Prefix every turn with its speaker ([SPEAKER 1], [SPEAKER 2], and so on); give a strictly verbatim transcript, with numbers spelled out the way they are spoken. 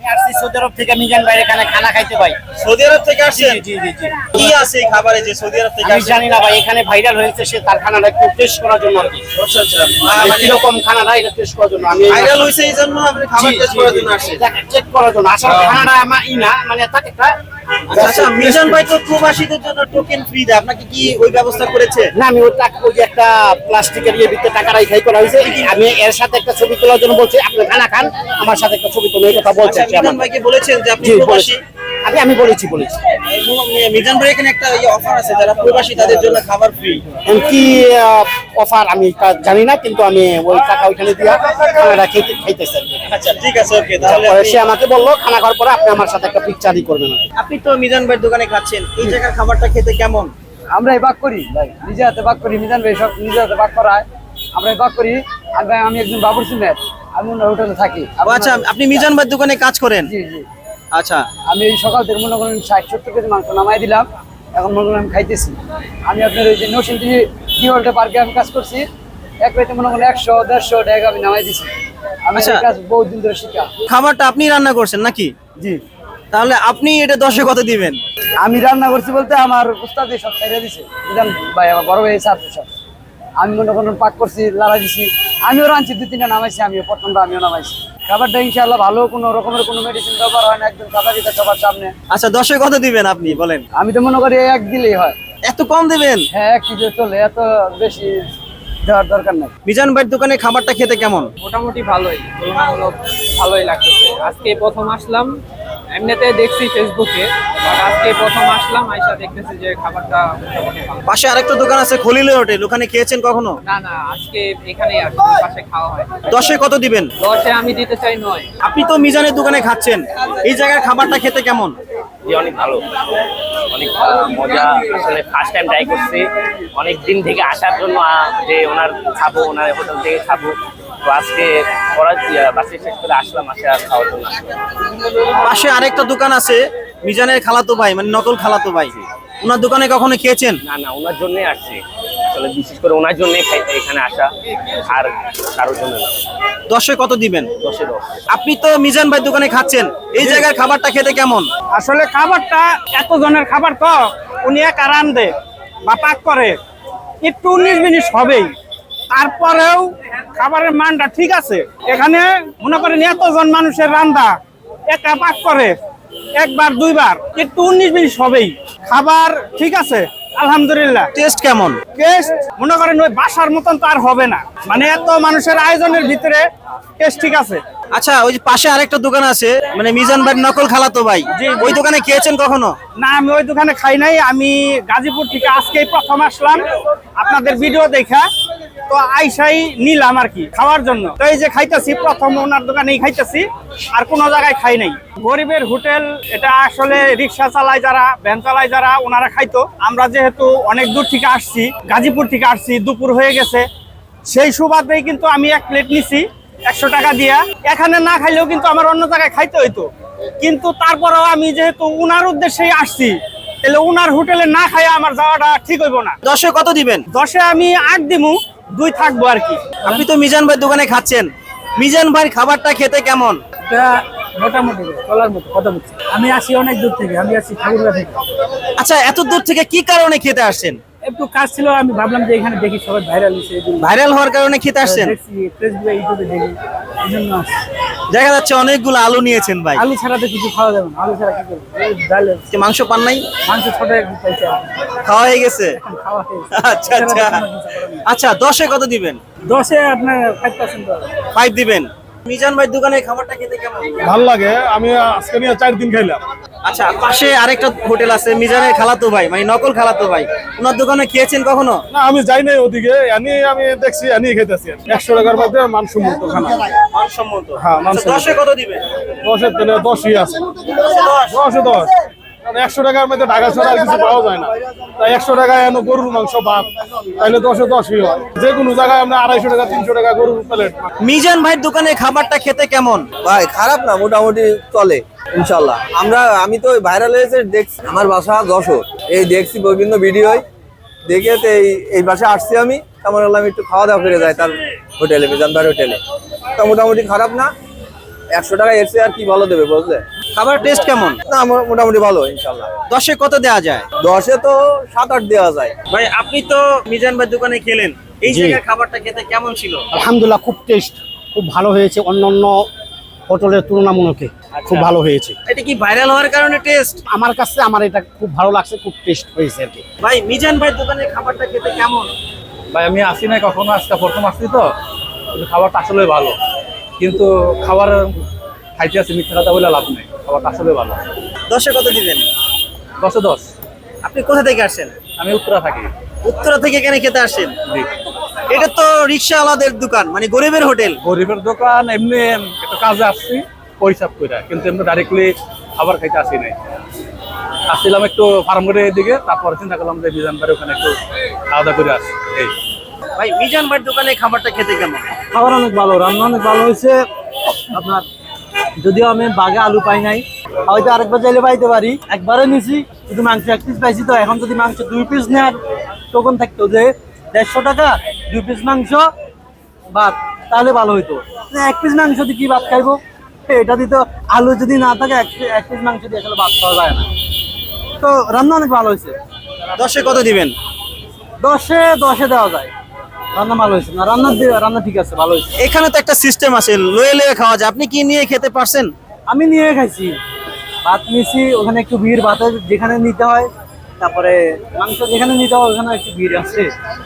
[SPEAKER 1] আমি আসছি সৌদি আরব থেকে মিজান ভাইয়ের এখানে খানা খাইতে ভাই।
[SPEAKER 2] সৌদি আরব থেকে আসছেন?
[SPEAKER 1] জি জি জি।
[SPEAKER 2] কি আছে এই খাবারে যে সৌদি আরব থেকে
[SPEAKER 1] আমি
[SPEAKER 2] আসছেন?
[SPEAKER 1] জানি না ভাই, এখানে ভাইরাল হয়েছে সে তার খানাটা একটু টেস্ট করার জন্য আর কি।
[SPEAKER 2] আচ্ছা আচ্ছা,
[SPEAKER 1] কিরকম খানাটা এটা টেস্ট করার জন্য আমি
[SPEAKER 2] ভাইরাল হইছে এই জন্য আপনি খাবার টেস্ট করার জন্য আসছেন?
[SPEAKER 1] চেক করার জন্য আসলে খানাটা আমার ই না, মানে তাকে
[SPEAKER 2] আচ্ছা আচ্ছা, মিজান ভাই তো প্রবাসীদের জন্য টোকেন ফ্রি দেয়, আপনাকে কি ওই ব্যবস্থা করেছে?
[SPEAKER 1] না, আমি ওই টাকা ওই যে একটা প্লাস্টিকের ইয়ে ভিতরে টাকা রাখাই করা হয়েছে, আমি এর সাথে একটা ছবি তোলার জন্য বলছি আপনি খানা খান, আমার সাথে একটা ছবি তোলা, এই কথা বলছে।
[SPEAKER 2] আচ্ছা, মিজান ভাইকে বলেছেন যে আপনি
[SPEAKER 1] জি
[SPEAKER 2] প্রবাসী?
[SPEAKER 1] আমি আমি বলেছি বলেছি
[SPEAKER 2] মিজান ভাই এখানে একটা ইয়ে অফার আছে, যারা প্রবাসী তাদের জন্য খাবার ফ্রি।
[SPEAKER 1] কি অফার আমি তা জানি না, কিন্তু আমি ওই টাকা ওইখানে দিয়া খানাটা খেতে খাইতেছি।
[SPEAKER 2] আচ্ছা ঠিক আছে, ওকে। তাহলে
[SPEAKER 1] তারপরে
[SPEAKER 2] আপনি-
[SPEAKER 1] সে আমাকে বললো খানা খাওয়ার পরে আপনি আমার সাথে একটা পিকচারই করবেন।
[SPEAKER 2] আপনি তো মিজান ভাইয়ের দোকানে খাচ্ছেন, এই জায়গার খাবারটা খেতে কেমন?
[SPEAKER 3] আমরা এই বাক করি ভাই, নিজে হাতে বাক করি, মিজান ভাই সব নিজে হাতে বাক করায়, আমরা এই বাক করি। আর ভাই আমি একজন বাবুর্চি ম্যাট, আমি ওনার হোটেলে থাকি।
[SPEAKER 2] ও আচ্ছা, আপনি মিজান ভাইয়ের দোকানে কাজ করেন?
[SPEAKER 3] জি জি।
[SPEAKER 2] আচ্ছা,
[SPEAKER 3] আমি এই সকাল থেকে মনে করেন ষাট সত্তর কেজি মাংস নামাই দিলাম, এখন মনে করেন আমি খাইতেছি। আমি আপনার ওই যে নরসিংদী ডি হোল্ডে পার্কে আমি কাজ করছি, এক রাইতে মনে করেন একশো দেড়শো টাকা আমি নামাই দিছি। আমি
[SPEAKER 2] আচ্ছা।
[SPEAKER 3] এই কাজ বহুত দিন ধরে শিখা।
[SPEAKER 2] খাবারটা আপনি রান্না করছেন নাকি?
[SPEAKER 3] জি,
[SPEAKER 2] তাহলে আপনি এটা দশে কত দিবেন?
[SPEAKER 3] আমি রান্না করছি বলতে আমার উস্তাদ সব খাইয়ে দিছে, মিজান ভাই আমার বড় ভাই ছাত্র সব। আমি মনে করেন পাক করছি, লাড়া দিছি, আমিও রাঁধছি, দুই তিনটা নামাইছি, আমিও প্রথমটা আমিও নামাইছি। খাবারটা ইনশাআল্লাহ ভালো, কোনো রকমের কোনো মেডিসিন ব্যবহার হয় না, একদম সাদা দিতে সবার সামনে।
[SPEAKER 2] আচ্ছা, দশে কত দিবেন আপনি বলেন?
[SPEAKER 3] আমি তো মনে করি এক দিলেই হয়।
[SPEAKER 2] এত কম দিবেন?
[SPEAKER 3] হ্যাঁ, এক কেজি চলে, এত বেশি দেওয়ার দরকার নাই।
[SPEAKER 2] মিজান ভাইয়ের দোকানে খাবারটা খেতে কেমন?
[SPEAKER 4] মোটামুটি ভালোই, তুলনামূলক ভালোই লাগতেছে। আজকে প্রথম আসলাম, এমনিতে দেখছি ফেসবুকে, বাট আজকে প্রথম আসলাম, আইসা দেখতেছি যে খাবারটা মোটামুটি ভালো।
[SPEAKER 2] পাশে আরেকটা দোকান আছে খলিলের হোটেল, ওখানে খেয়েছেন কখনো?
[SPEAKER 4] না না, আজকে এখানেই আসছি, পাশে খাওয়া হয়।
[SPEAKER 2] দশে কত দিবেন?
[SPEAKER 4] দশে আমি দিতে চাই নয়।
[SPEAKER 2] আপনি তো মিজানের দোকানে খাচ্ছেন, এই জায়গার খাবারটা খেতে কেমন?
[SPEAKER 5] জি অনেক ভালো, অনেক ভালো, মজা। আসলে ফার্স্ট টাইম ট্রাই করছি, অনেক দিন থেকে আসার জন্য আহ, যে ওনার খাবো, ওনার হোটেল থেকে খাবো, তো আজকে পড়া বাসে শেষ করে আসলাম, আসে আর খাওয়ার জন্য আসলাম।
[SPEAKER 2] পাশে আরেকটা দোকান আছে মিজানের খালাতো ভাই, মানে নকল খালাতো ভাই, ওনার দোকানে কখনো খেয়েছেন?
[SPEAKER 5] না না, ওনার জন্যই আসছি, আসলে বিশেষ করে ওনার জন্যই এখানে আসা, আর কারোর জন্য না।
[SPEAKER 2] দশে কত দিবেন?
[SPEAKER 5] দশে দশ।
[SPEAKER 2] আপনি তো মিজান ভাই দোকানে খাচ্ছেন, এই জায়গার খাবারটা খেতে কেমন?
[SPEAKER 6] আসলে খাবারটা এত জনের খাবার তো উনি একা রান্ধে বা পাক করে, একটু উনিশ মিনিট হবেই, তারপরেও খাবারের মানটা ঠিক আছে। এখানে মনে করেন এতজন মানুষের রান্না একা পাক করে একবার দুইবার, একটু উনিশ মিনিট হবেই, খাবার ঠিক আছে আলহামদুলিল্লাহ।
[SPEAKER 2] টেস্ট কেমন?
[SPEAKER 6] টেস্ট মনে করেন ওই বাসার মতন তো আর হবে না, মানে এত মানুষের আয়োজনের ভিতরে টেস্ট ঠিক আছে।
[SPEAKER 2] আচ্ছা, ওই যে পাশে আরেকটা দোকান আছে, মানে মিজান ভাই নকল খালাতো ভাই, ওই দোকানে খেয়েছেন কখনো?
[SPEAKER 6] না, আমি ওই দোকানে খাই নাই, আমি গাজীপুর থেকে আজকেই প্রথম আসলাম আপনাদের ভিডিও দেখা, তো আইসাই নিলাম আর কি খাওয়ার জন্য। তো এই যে খাইতেছি, প্রথম ওনার দোকানেই খাইতেছি, আর কোনো জায়গায় খাই নাই। গরিবের হোটেল এটা, আসলে রিক্সা চালায় যারা, ভ্যান চালায় যারা, ওনারা খাইতো। আমরা যেহেতু অনেক দূর থেকে আসছি, গাজীপুর থেকে আসছি, দুপুর হয়ে গেছে, সেই সুবাদেই কিন্তু আমি এক প্লেট নিছি একশো টাকা দিয়া। এখানে না খাইলেও কিন্তু আমার অন্য জায়গায় খাইতে হইতো, কিন্তু তারপরেও আমি যেহেতু উনার উদ্দেশ্যেই আসছি, তাহলে উনার হোটেলে না খাই আমার যাওয়াটা ঠিক হইব না।
[SPEAKER 2] দশে কত দিবেন?
[SPEAKER 6] দশে আমি আট দিমু, দুই থাকবো আর কি।
[SPEAKER 2] আপনি তো মিজান ভাই দোকানে খাচ্ছেন, মিজান ভাই খাবারটা খেতে কেমন?
[SPEAKER 3] মোটামুটি চলার মতো কথা বলছি। আমি আসি অনেক দূর থেকে, আমি আসি ঠাকুরগা থেকে।
[SPEAKER 2] আচ্ছা, এত দূর থেকে কি কারণে খেতে আসছেন?
[SPEAKER 3] একটু কাজ ছিল, আমি ভাবলাম যে এখানে দেখি সবাই ভাইরাল হয়েছে, এই জন্য
[SPEAKER 2] ভাইরাল হওয়ার কারণে খেতে আসছেন?
[SPEAKER 3] দেখছি ফেসবুকে, ইউটিউবে দেখি, এই জন্য আসছি।
[SPEAKER 2] দেখা যাচ্ছে অনেকগুলো আলু নিয়েছেন ভাই,
[SPEAKER 3] আলু ছাড়া তো কিছু খাওয়া যাবে না, আলু ছাড়া কি করবো, এই ডাল
[SPEAKER 2] যে মাংস পান নাই?
[SPEAKER 3] মাংস ছোট একটু পাইছে,
[SPEAKER 2] খাওয়া হয়ে গেছে?
[SPEAKER 3] খাওয়া হয়েছে।
[SPEAKER 2] আচ্ছা আচ্ছা আচ্ছা, দশে কত দিবেন?
[SPEAKER 3] দশে আপনার ফাইভ পার্সেন্ট।
[SPEAKER 2] ফাইভ দিবেন। মিজান ভাই দোকানে খাবারটা খেতে কেমন?
[SPEAKER 7] ভালো লাগে, আমি আজকে নিয়ে চার দিন খাইলাম।
[SPEAKER 2] আচ্ছা, পাশে আরেকটা হোটেল আছে মিজানের খালাতো ভাই, মানে নকল খালাতো ভাই, ওনার দোকানে খেয়েছেন কখনো?
[SPEAKER 7] না, আমি যাই নাই ওদিকে, এনি আমি দেখছি, এনি খেতেছি। একশো টাকার মধ্যে মানসম্মত খানা।
[SPEAKER 2] মানসম্মত।
[SPEAKER 7] হ্যাঁ,
[SPEAKER 2] আচ্ছা,
[SPEAKER 7] মানসম্মত।
[SPEAKER 2] দশে কত দিবেন?
[SPEAKER 7] দশের তেলে দশই আছে, দশে দশ। কারণ একশো টাকার মধ্যে ঢাকা ছাড়া আর কিছু পাওয়া যায় না, তাই একশো টাকায় এনে গরুর মাংস ভাত, তাইলে দশে দশই হয়। যে কোনো জায়গায় আমরা আড়াইশো টাকা তিনশো টাকা গরুর প্লেট।
[SPEAKER 2] মিজান ভাইয়ের দোকানে খাবারটা খেতে কেমন?
[SPEAKER 8] ভাই খারাপ না, মোটামুটি চলে ইনশাল্লাহ। আমরা আমি তো ভাইরাল হয়েছে দেখছি, আমার বাসা যশোর, এই দেখছি বিভিন্ন ভিডিওয় দেখে তো এই এই বাসায় আসছি আমি, তেমন হলাম একটু খাওয়া দাওয়া করে যায় তার হোটেলে, মিজান ভাইয়ের হোটেলে। তো মোটামুটি খারাপ না, একশো টাকা এর চেয়ে আর কি ভালো দেবে বুঝলে?
[SPEAKER 2] খাবার টেস্ট কেমন?
[SPEAKER 8] না মো- মোটামুটি ভালো ইনশাল্লাহ।
[SPEAKER 2] দশে কত দেওয়া যায়?
[SPEAKER 8] দশে তো সাত আট দেওয়া যায়।
[SPEAKER 2] ভাই আপনি তো মিজান ভাই দোকানে খেলেন, এই
[SPEAKER 1] জি।
[SPEAKER 2] জায়গার খাবারটা খেতে কেমন ছিল?
[SPEAKER 1] আলহামদুলিল্লাহ খুব টেস্ট, খুব ভালো হয়েছে অন্যান্য হোটেলের তুলনামূলকে খুব ভালো হয়েছে।
[SPEAKER 2] এটা কি ভাইরাল হওয়ার কারণে টেস্ট?
[SPEAKER 1] আমার কাছে আমার এটা খুব ভালো লাগছে, খুব টেস্ট হয়েছে আর কি।
[SPEAKER 2] ভাই মিজান ভাই দোকানের খাবারটা খেতে কেমন?
[SPEAKER 9] ভাই আমি আসি নাই কখনো, আজকে প্রথম আসছি তো, কিন্তু খাবারটা আসলে ভালো। কিন্তু খাবার খাইতে আসি, মিথ্যা কথা বলে লাভ নেই, খাবারটা আসলে ভালো।
[SPEAKER 2] দশে কত দিবেন?
[SPEAKER 9] দশে দশ।
[SPEAKER 2] আপনি কোথা থেকে আসছেন?
[SPEAKER 9] আমি উত্তরা থাকি।
[SPEAKER 2] উত্তরা থেকে এখানে খেতে আসছেন?
[SPEAKER 9] জি।
[SPEAKER 2] এটা তো রিক্সাওয়ালাদের দোকান, মানে গরিবের হোটেল।
[SPEAKER 9] গরিবের দোকান, এমনি একটা কাজে আসছি পরিসাব করে, কিন্তু এমনি ডাইরেক্টলি খাবার খাইতে আসি নাই। আসছিলাম একটু ফার্ম গেটের দিকে, তারপরে চিন্তা করলাম যে মিজান ভাইয়ের ওখানে একটু খাওয়া দাওয়া করে আসি। এই
[SPEAKER 2] ভাই মিজান ভাই দোকানে খাবারটা খেতে কেমন?
[SPEAKER 3] খাবার অনেক ভালো, রান্না অনেক ভালো হয়েছে আপনার। যদিও আমি বাগে আলু পাই নাই, হয়তো আরেকবার চাইলে পাইতে পারি। একবারে নিছি শুধু মাংস এক পিস পাইছি, তো এখন যদি মাংস দুই পিস নেওয়ার টোকন থাকতো যে দেড়শো টাকা দুই পিস মাংস ভাত, তাহলে ভালো হইতো। এক পিস মাংস দিয়ে কি ভাত খাইবো? এটা দিত আলু যদি না থাকে এক এক পিস মাংস দিয়ে আসলে ভাত খাওয়া যায় না। তো রান্না অনেক ভালো হয়েছে।
[SPEAKER 2] দশে কত দিবেন?
[SPEAKER 3] দশে দশে দেওয়া যায়, রান্না ভালো হয়েছে না, রান্না দিয়ে- রান্না ঠিক আছে, ভালো হয়েছে।
[SPEAKER 2] এখানে তো একটা সিস্টেম আছে, লয়ে লয়ে খাওয়া যায়, আপনি কি নিয়ে খেতে পারছেন?
[SPEAKER 3] আমি নিয়ে খাইছি, ভাত নিয়েছি, ওখানে একটু ভিড়, ভাতের যেখানে নিতে হয়, তারপরে মাংস যেখানে নিতে হয় ওখানে একটু ভিড় আছে।